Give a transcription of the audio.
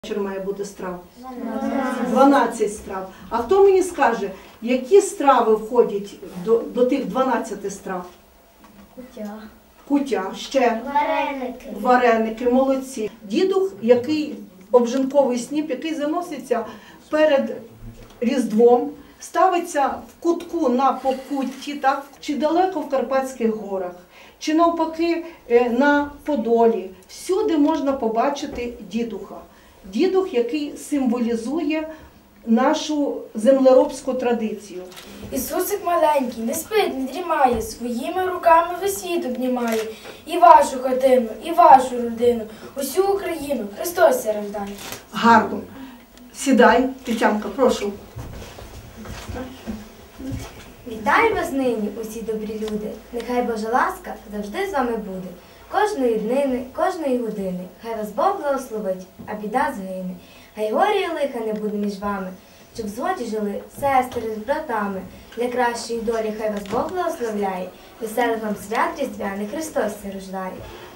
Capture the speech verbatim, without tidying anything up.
Вечір має бути страв? дванадцять страв. А хто мені скаже, які страви входять до, до тих дванадцяти страв? Кутя. Кутя, ще? Вареники. Вареники, молодці. Дідух, який обжинковий сніп, який заноситься перед Різдвом, ставиться в кутку на Покутті, так? Чи далеко в Карпатських горах, чи навпаки на Подолі. Всюди можна побачити дідуха. Дідух, який символізує нашу землеробську традицію. Ісусик маленький, не спить, не дрімає, своїми руками весь світ обнімає. І вашу хатину, і вашу родину, усю Україну Христос ся рождає. Гарно. Сідай, Тетянка, прошу. Вітаю вас нині, усі добрі люди. Нехай Божа ласка завжди з вами буде. Кожної днини, кожної години. Хай вас Бог благословить, а біда згине. Хай горя і лиха не буде між вами, щоб в згоді жили сестри з братами. Для кращої долі хай вас Бог благословляє. Веселих вам свят різдвяних Христос ся рождає.